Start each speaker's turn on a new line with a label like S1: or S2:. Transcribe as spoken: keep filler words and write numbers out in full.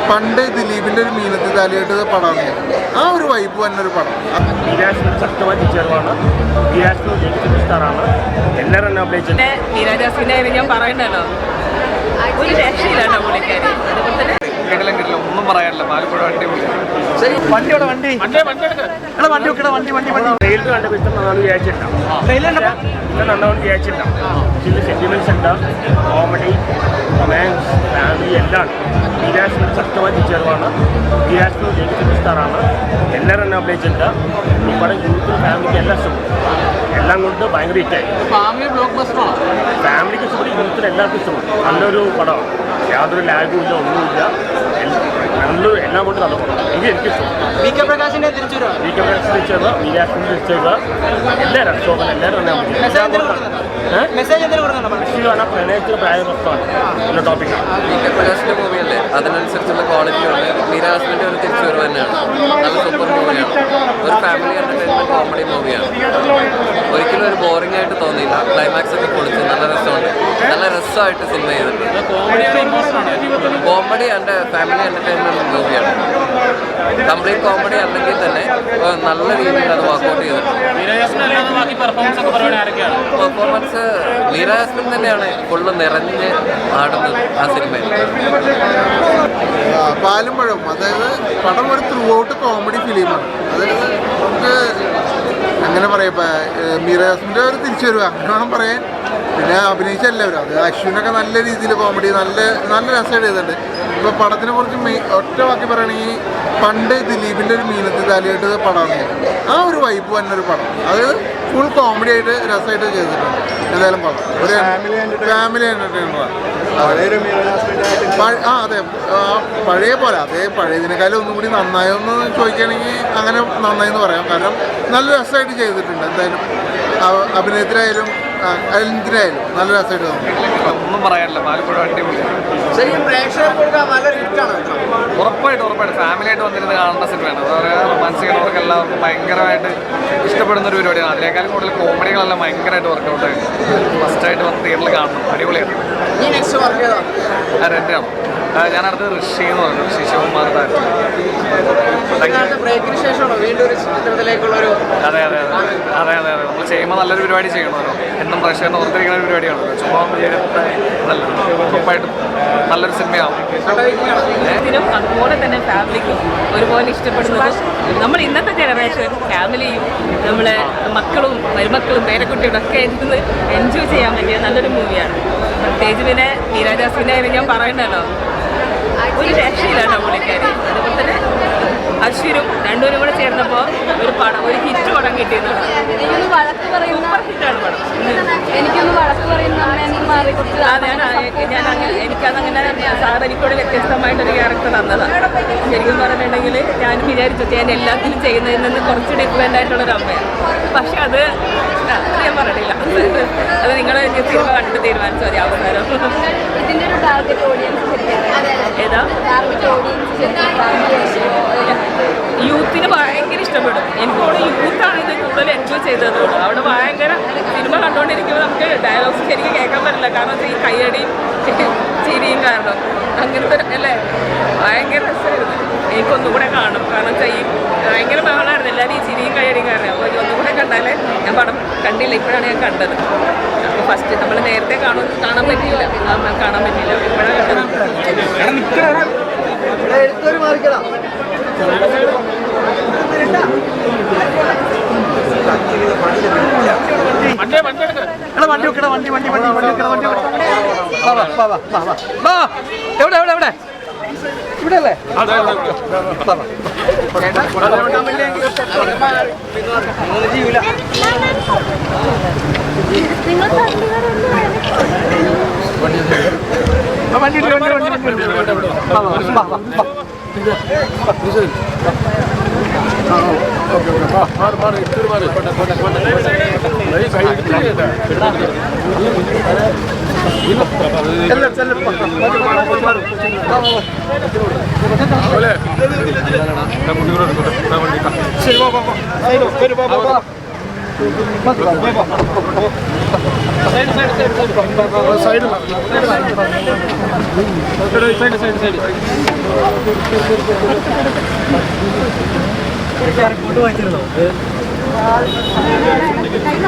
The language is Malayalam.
S1: പണ്ട് ദിലീപിന്റെ ഒരു മീനത്തി താലിയായിട്ട് പടമാണ്. ആ ഒരു വൈബ് തന്നെ ഒരു പടം.
S2: ശക്തമായ ടീച്ചറുമാണ്, സ്റ്റാറാണ്, എല്ലാവരും എന്നെ അഭിനയിച്ചിട്ടുണ്ട്.
S3: നീരാജാസിന്റെ ഞാൻ പറയണ്ടല്ലോ, ഒരു രക്ഷയില്ലാട്ടോ പുള്ളിക്കാരി.
S4: കിട്ടില്ല കിട്ടില്ല ഒന്നും പറയാനില്ല. ആലപ്പുഴ വണ്ടി
S2: വണ്ടിയോടെ വണ്ടി വണ്ടി വണ്ടി വണ്ടി വണ്ടി വണ്ടി വണ്ടി ട്രെയിലർ കണ്ടപ്പോൾ ഇത്ര നന്നാണ് വിചാരിച്ചിട്ടുണ്ടാവും. ഇത്ര നന്നാണ് വിചാരിച്ചിട്ടുണ്ടാവും. ചില സെന്റിമെന്റ്സ് ഉണ്ട്, കോമഡി, റൊമാൻസ്, ഫാമിലി എല്ലാം. നീരാജ് ശക്തമായ ടീച്ചറുമാണ്, നീരാജ് സ്റ്റാറാണ്, എല്ലാവരും എന്നെ അഭിനയിച്ചിട്ടുണ്ട്. ഈ പടം യൂത്തും ഫാമിലിക്ക് എല്ലാം ഇഷ്ടപ്പെടും. എല്ലാം കൊണ്ട് ഭയങ്കര ഹിറ്റായി.
S4: ഫാമിലി ബ്ലോക്ക് ബസ്റ്ററാണ്.
S2: ഫാമിലിക്ക് ഇഷ്ടപ്പെടും, യൂത്തിന് എല്ലാവർക്കും ഇഷ്ടപ്പെടും. നല്ലൊരു പടമാണ്, യാതൊരു ലാഗും ഇല്ല, ഒന്നുമില്ല. നല്ലൊരു എല്ലാം കൊണ്ട് നല്ല പടം. എനിക്ക് എനിക്കിഷ്ടം.
S4: വി കെ പ്രകാശിന്റെ തിരിച്ചുവരവ്,
S2: വി കെ പ്രകാശ് തിരിച്ചത്, നീരാജിന്റെ തിരിച്ചത്, എല്ലാവരും ശോഭന എല്ലാവരും പ്രണയത്തിന് പ്രായപ്രശ്നമാണ് എന്ന ടോപ്പിക്കാണ്.
S5: വി കെ പ്രകാശിന്റെ മൂവിയല്ലേ, അതിനനുസരിച്ചുള്ള ക്വാളിറ്റി ഉണ്ട്. നീരാജിന്റെ ഒരു തിരിച്ചുവരവ് തന്നെയാണ്. നല്ല സൂപ്പർ മൂവിയാണ്. ഒരു ഫാമിലി എന്റർടൈൻമെന്റ് കോമഡി മൂവിയാണ്. ഒരിക്കലും ഒരു ബോറിംഗ് ആയിട്ട് തോന്നിയില്ല. ക്ലൈമാക്സ് ഒക്കെ പൊളിച്ച് നല്ല രസമുണ്ട്. നല്ല രസമായിട്ട് സിനിമ ചെയ്തിട്ടുണ്ട്. കോമഡി ആൻഡ് ഫാമിലി എന്റർടൈൻമെന്റ് മൂവിയാണ്. കംപ്ലീറ്റ് കോമഡി അല്ലെങ്കിൽ തന്നെ നല്ല രീതിയിൽ അത് വർക്ക്ഔട്ട് ചെയ്തിട്ടുണ്ട്. പെർഫോമൻസ് നീരാജാസ്മിൻ തന്നെയാണ് ഫുള്ള് നിറഞ്ഞ് ആടുന്നത് ആ സിനിമയിൽ.
S1: പാലും പഴവും, അതായത് പടം ഒരു ത്രൂ ഔട്ട് കോമഡി ഫിലിമാണ്. അതായത് നമുക്ക് അങ്ങനെ പറയാം, മീരാജാസ്മിൻ്റെ ഒരു തിരിച്ചു വരുക അങ്ങനെ വേണം പറയാൻ. പിന്നെ അഭിനയിച്ച എല്ലാവരും, അത് അശ്വിനൊക്കെ നല്ല രീതിയിൽ കോമഡി നല്ല നല്ല രസമായിട്ട് ചെയ്തിട്ടുണ്ട്. ഇപ്പോൾ പടത്തിനെ കുറിച്ച് മെയിൻ ഒറ്റ വാക്കി പറയുകയാണെങ്കിൽ പണ്ട് ദിലീപിൻ്റെ ഒരു മീനത്തി താലിയായിട്ട് പടമാണ്. ആ ഒരു വൈബ് തന്നെ ഒരു പടം. അത് ഫുൾ കോമഡി ആയിട്ട് രസമായിട്ട് ചെയ്തിട്ടുണ്ട്. എന്തായാലും പടം ഒരു ഫാമിലി എൻ്റർടൈനറാണ്. ആ അതെ, പഴയ പോലെ അതേ പഴയതിനേക്കാളും ഒന്നും കൂടി നന്നായോ എന്ന് ചോദിക്കുകയാണെങ്കിൽ അങ്ങനെ നന്നായി എന്ന് പറയാം. കാരണം നല്ല രസമായിട്ട് ചെയ്തിട്ടുണ്ട്. എന്തായാലും അഭിനയത്തിനായാലും എന്തിനായാലും നല്ല രസമായിട്ട് തോന്നി.
S4: ഒന്നും പറയാനില്ല. ആലപ്പുഴ വണ്ടി
S6: ശരിക്കും പ്രേക്ഷകർക്ക് നല്ലൊരു ഹിറ്റാണ്.
S4: ഉറപ്പായിട്ട് ഉറപ്പായിട്ട് ഫാമിലി ആയിട്ട് വന്നിരുന്ന് കാണേണ്ട സിനിമയാണ്. അതുപോലെ റൊമാൻസിക്കുന്നവർക്ക് എല്ലാവർക്കും ഭയങ്കരമായിട്ട് ഇഷ്ടപ്പെടുന്ന ഒരു പരിപാടിയാണ്. അതിനേക്കാളും കൂടുതൽ കോമഡികളെല്ലാം ഭയങ്കരമായിട്ട് വർക്കൗട്ട് ആയിട്ട് ഫസ്റ്റായിട്ട് വന്ന് തിയേറ്ററിൽ കാണണം. അടിപൊളിയാണ്.
S6: ഈ നെക്സ്റ്റ് വർക്ക് ചെയ്താണ്
S4: രണ്ടാണ്. ഞാൻ അടുത്ത് ഋഷി എന്ന് പറഞ്ഞു, ഋഷി ശിവകുമാർ.
S6: ബ്രേക്കിന് ശേഷമാണോ വീണ്ടും ഒരു ചിത്രത്തിലേക്കുള്ള ഒരു
S4: അതെ അതെ അതെ അതെ അതെ അതെ നമ്മൾ ചെയ്യുമ്പോൾ നല്ലൊരു പരിപാടി ചെയ്യണമല്ലോ. എന്നും പ്രേക്ഷകനെ ഓർത്തിരിക്കുന്ന ഒരു പരിപാടിയാണല്ലോ. ചുമ്മാ നല്ല ഉറപ്പായിട്ടും നല്ലൊരു സിനിമയാവും.
S3: അതുപോലെ തന്നെ ഫാമിലിക്കും ഒരുപോലെ ഇഷ്ടപ്പെടുന്നത് നമ്മൾ ഇന്നത്തെ ജനറേഷൻ ഫാമിലിയും നമ്മളെ മക്കളും മരുമക്കളും പേരക്കുട്ടികളും ഒക്കെ ഇരുന്ന് എൻജോയ് ചെയ്യാൻ പറ്റിയ നല്ലൊരു മൂവിയാണ്. പ്രത്യേകിച്ച് പിന്നെ നീരാജാസിന്റെ കാര്യം ഞാൻ പറയണ്ടല്ലോ, ഒരു രക്ഷയില്ലാട്ടോ പുള്ളിക്കാരി. അതുപോലെ തന്നെ അശ്വിനും രണ്ടുപേരും കൂടെ ചേർന്നപ്പോൾ ഒരു പടം ഒരു ഹിറ്റ് പടം കിട്ടിയെന്നുണ്ട്.
S7: എനിക്കൊന്ന് വഴക്ക് പറയുന്ന
S3: ഹിറ്റാണ് പടം.
S7: എനിക്കൊന്ന് വഴക്ക് പറയുന്ന മാറി കൊടുത്ത്
S3: ഞാൻ ഞാൻ അങ്ങനെ എനിക്കതങ്ങനെ സാർ എനിക്കൂടെ വ്യത്യസ്തമായിട്ടൊരു ക്യാരക്ടർ തന്നതാണ്. ശരിക്കും പറഞ്ഞിട്ടുണ്ടെങ്കിൽ ഞാൻ വിചാരിച്ചു ഞാൻ എല്ലാത്തിനും ചെയ്യുന്നതിൽ നിന്ന് കുറച്ച് ഡിഫറെൻ്റ് ആയിട്ടുള്ളൊരു അമ്മയാണ്. പക്ഷെ അത് അത് ഞാൻ പറഞ്ഞില്ല. അത് നിങ്ങൾ സിനിമ കണ്ടിട്ട് തീരുമാനിച്ചു മതി അവസാനം.
S7: ഇതിന്റെ ഒരു ടാർഗറ്റ് ഓഡിയൻസ്
S3: ഏതാ
S7: ടാർഗറ്റ് ഓഡിയൻസ്
S3: യൂത്തിന് ഭയങ്കര ഇഷ്ടപ്പെടും. എനിക്ക് തോന്നുന്നു യൂത്താണ് ഇത് കൂടുതൽ എൻജോയ് ചെയ്തതുകൊണ്ട്. അവിടെ ഭയങ്കര സിനിമ കണ്ടുകൊണ്ടിരിക്കുമ്പോൾ നമുക്ക് ഡയലോഗ്സ് ശരിക്കും കേൾക്കാൻ പറ്റില്ല. കാരണം ഈ കയ്യടിയും ചിരിയും കാരണം അങ്ങനത്തെ അല്ലേ ഭയങ്കര രസമായിരുന്നു. എനിക്കൊന്നും കൂടെ കാണും. കാരണം വെച്ചാൽ ഈ ഭയങ്കര ബഹളമായിരുന്നു എല്ലാവരും ഈ ചിരിയും കയ്യടിയും കാരണം. അപ്പോൾ ഒന്നും കൂടെ കണ്ടാലേ ഞാൻ പടം കണ്ടില്ല, ഇപ്പോഴാണ് ഞാൻ കണ്ടത്. അപ്പോൾ ഫസ്റ്റ് നമ്മൾ നേരത്തെ കാണും കാണാൻ പറ്റിയില്ല കാണാൻ പറ്റിയില്ല ഇപ്പോഴാണ് കണ്ടത്.
S6: എഴുത്തൊരു മാറിക്കണം.
S2: വണ്ടി വെക്കട വണ്ടി വണ്ടി വണ്ടി വണ്ടി വണ്ടി
S4: എവിടെ എവിടെ എവിടെ ഇവിടെ അല്ലേ?
S2: വണ്ടി റിപ്പോർട്ട് വായിച്ചിരുന്നോ